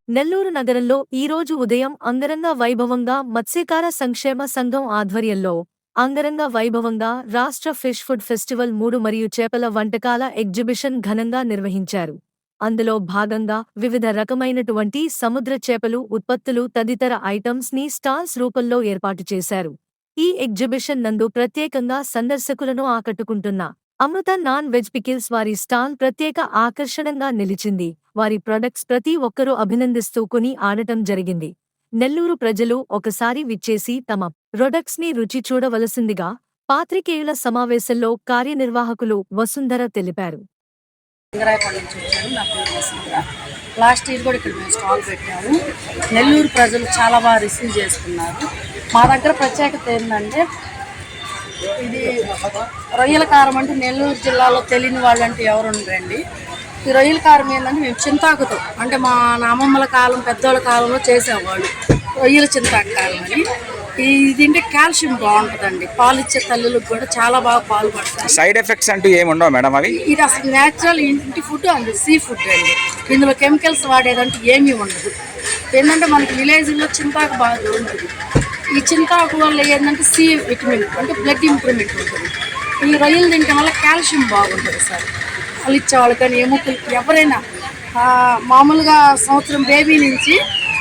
నెల్లూరు నగరంలో ఈరోజు ఉదయం అంగరంగ వైభవంగా మత్స్యకార సంక్షేమ సంఘం ఆధ్వర్యంలో అంగరంగ వైభవంగా రాష్ట్ర ఫిష్ ఫుడ్ ఫెస్టివల్ 3 మరియు చేపల వంటకాల ఎగ్జిబిషన్ ఘనంగా నిర్వహించారు. అందులో భాగంగా వివిధ రకమైనటువంటి సముద్ర చేపలు ఉత్పత్తులు తదితర ఐటమ్స్ ని స్టాల్స్ రూపంలో ఏర్పాటు చేశారు. ఈ ఎగ్జిబిషన్ నందు ప్రత్యేకంగా సందర్శకులను ఆకట్టుకుంటున్న అమృత నాన్ వెజ్ పికిల్స్ వారి స్టాల్ ప్రత్యేక ఆకర్షణంగా నిలిచింది. వారి ప్రొడక్ట్స్ ప్రతి ఒక్కరూ అభినందిస్తూ కొని ఆడటం జరిగింది. నెల్లూరు ప్రజలు ఒకసారి విచ్చేసి తమ ప్రొడక్ట్స్ ని రుచి చూడవలసిందిగా పాత్రికేయుల సమావేశంలో కార్యనిర్వాహకులు వసుంధర తెలిపారు. లాస్ట్ ఇయర్ కూడా ఇక్కడ మేము స్టాల్ పెట్టాము. నెల్లూరు ప్రజలు చాలా బాగా రిసీవ్ చేసుకున్నారు. మా దగ్గర ప్రత్యేకత ఏంటంటే ఇది రొయ్యల కారం అంటే నెల్లూరు జిల్లాలో తెలియని వాళ్ళంటే ఎవరు ఉండరండి. ఈ రొయ్యల కారం ఏంటంటే మేము చింతాకుతో అంటే మా అమ్మమ్మల కాలం పెద్దోళ్ళ కాలంలో చేసేవాళ్ళు రొయ్యల చింతాకు కారం అని. ఇది తింటే కాల్షియం బాగుంటుందండి. పాలు ఇచ్చే తల్లులకు కూడా చాలా బాగా పాలు పడతాయి. సైడ్ ఎఫెక్ట్స్ అంటూ ఏమి ఉండవు మేడం? అవి ఇది అసలు న్యాచురల్ ఇంటి ఫుడ్ అండి, సీ ఫుడ్ అండి. ఇందులో కెమికల్స్ వాడేదంటే ఏమీ ఉండదు. ఏంటంటే మనకి విలేజ్లో చింతాకు బాగా దొరుకుతుంది. ఈ చింతాకు వల్ల ఏంటంటే సి విటమిన్ అంటే బ్లడ్ ఇంప్రూవ్మెంట్ ఉంటుంది. ఈ రొయ్యలు తినడం వల్ల కాల్షియం బాగుంటుంది సార్. వాళ్ళు ఇచ్చేవాళ్ళు కానీ ఎముకలు ఎవరైనా మామూలుగా సంవత్సరం బేబీ నుంచి.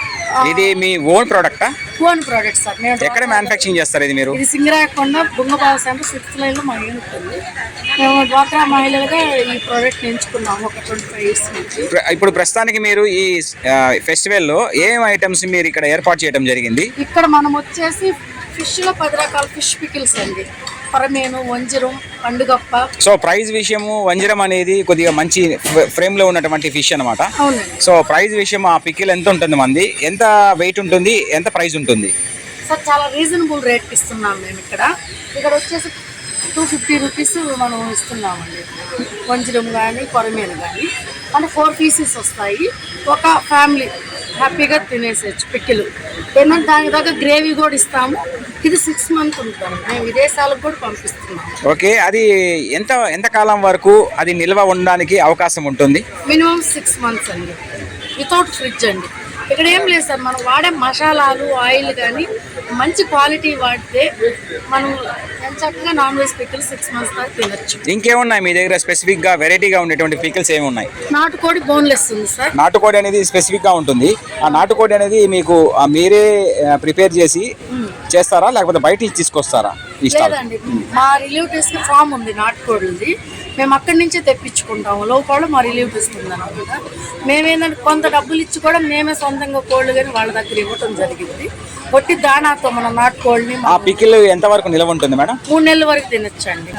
ఇది మీ ఓన్ ప్రోడక్టా? Own product sir. మేము ఎక్కడ మ్యానుఫ్యాక్చరింగ్ చేస్తారు ఇది మీరు? ఇది సింగరాయకొండ బుంగబావ సెంటర్ 6th లైన్లో మా యూనిట్ ఉంది. మేము డ్వాక్రా మహిళలుగా ఈ ప్రోడక్ట్ ఎంచుకున్నాము ఒక 25 years నుంచి. ఇప్పుడు ప్రస్తుతానికి మీరు ఈ ఫెస్టివల్లో ఏం ఐటమ్స్ మీరు ఇక్కడ ఏర్పాటు చేయడం జరిగింది? ఇక్కడ మనం వచ్చేసి ఫిష్లో 10 రకాల ఫిష్ పికిల్స్ అండి. పరమేను, వంజరం, పండుగప్ప. సో ప్రైస్ విషయము వంజరం అనేది కొద్దిగా మంచి ఫ్రేమ్ లో ఉన్నటువంటి ఫిష్ అనమాట. సో ప్రైస్ విషయం ఆ పికిల్ ఎంత ఉంటుంది, మంది ఎంత వెయిట్ ఉంటుంది, ఎంత ప్రైస్ ఉంటుంది? సార్ చాలా రీజనబుల్ రేట్ ఇస్తున్నాం మేము. ఇక్కడ వచ్చేసి 250 రూపీస్ మనం ఇస్తున్నామండి. వంజరం కానీ కొరమేను కానీ అంటే 4 pieces వస్తాయి. ఒక ఫ్యామిలీ హ్యాపీగా తినేసేయచ్చు పిక్కిలు. ఏంటంటే దాని దగ్గర గ్రేవీ కూడా ఇస్తాము. ఇది 6 months ఉంటాము. మేము విదేశాలకు కూడా పంపిస్తున్నాము. ఓకే, అది ఎంత కాలం వరకు అది నిల్వ ఉండడానికి అవకాశం ఉంటుంది? మినిమం 6 months అండి, వితౌట్ ఫ్రిడ్జ్ అండి. ఇక్కడ ఏం లేదు సార్, మనం వాడే మసాలాలు ఆయిల్ కానీ మంచి క్వాలిటీ వాడితే మనం చక్కగా నాన్ వెజ్ పికిల్స్ 6 months దాకా తినచ్చు. ఇంకేమున్నాయి మీ దగ్గర స్పెసిఫిక్ గా వెరైటీగా ఉండేటువంటి పికిల్స్ ఏమున్నాయి? నాటుకోడి బోన్లెస్ ఉంది సార్. నాటుకోడి అనేది స్పెసిఫిక్ గా ఉంటుంది. ఆ నాటుకోడి అనేది మీకు మీరే ప్రిపేర్ చేసి చేస్తారా లేకపోతే బయట తీసుకొస్తారా? లేదండి, మా రిలేటివ్స్ కి ఫామ్ ఉంది నాటుకోడి. మేము అక్కడి నుంచే తెప్పించుకుంటాము. లోపల మా రిలేటివ్స్ ఉందన్నమాట. మేమేంటంటే కొంత డబ్బులు ఇచ్చి కూడా మేమే సొంతంగా కోళ్ళు కానీ వాళ్ళ దగ్గర ఇవ్వటం జరిగింది. కొట్టి దానాతో మన నాటుకోళ్ళని. ఆ పికిల్ ఎంత వరకు నిల్వ ఉంటుంది మేడం? 3 నెలల వరకు తినొచ్చండి.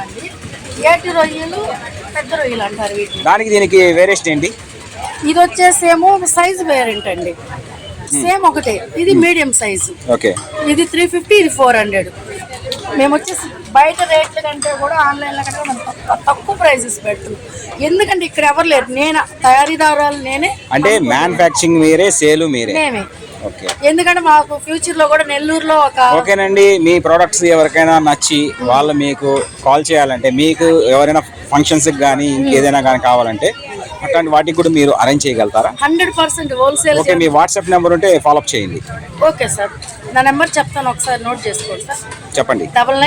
ఏటి రొయ్యలు, పెద్ద రొయ్యలు అంటారు వీటిని. దానికి దీనికి వేరియేషన్ ఏంటి? ఇది వచ్చేసేమో సైజ్ వేరెంట్ అండి. సేమ్ ఒకటే, ఇది మీడియం సైజు. ఓకే, ఇది 350, ఇది 400. మేము వచ్చేసి బయట రేట్ల కంటే కూడా ఆన్లైన్లో కంటే మనం తక్కువ ప్రైజెస్ పెడుతున్నాం. ఎందుకంటే ఇక్కడ ఎవరు లేరు, నేను తయారీదారులు నేనే. అంటే మ్యానుఫ్యాక్చరింగ్ మీరే, సేలు మీరే? మేమే. ఎందుకంటే మాకు ఫ్యూచర్ లో కూడా నెల్లూరులో ఓకేనండి. మీ ప్రొడక్ట్స్ ఎవరికైనా నచ్చి వాళ్ళు మీకు కాల్ చేయాలంటే, మీకు ఎవరైనా ఫంక్షన్స్ కానీ ఇంకేదైనా కానీ కావాలంటే అట్లాంటి వాటికి కూడా మీరు అరేంజ్ చేయగలుగుతారా? 100% హోల్సేల్. ఓకే, మీ వాట్సాప్ నెంబర్ ఉంటే ఫాలోఅప్ చేయండి. ఓకే సార్, నా నెంబర్ చెప్తాను, ఒకసారి నోట్ చేసుకోండి సార్. చెప్పండి.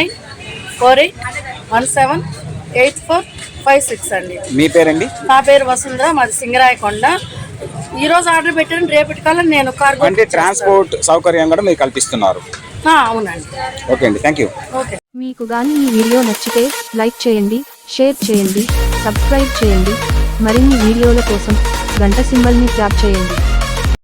9948178456 అండి. మీ పేరండి? నా పేరు వసుంధర, మాది సింగరాయకొండ. ఈ రోజు ఆర్డర్ పెట్టాను, రేపటి కల్లా నేను కార్గో అంటే ట్రాన్స్పోర్ట్ సౌకర్యం కూడా మీకు కల్పిస్తున్నారు? అవునండి. ఓకే అండి, థ్యాంక్ యూ. ఓకే. మీకు గాని ఈ వీడియో నచ్చితే లైక్ చేయండి, షేర్ చేయండి, సబ్స్క్రైబ్ చేయండి. మరిన్ని వీడియోల కోసం గంట సింబల్ని ట్యాప్ చేయండి.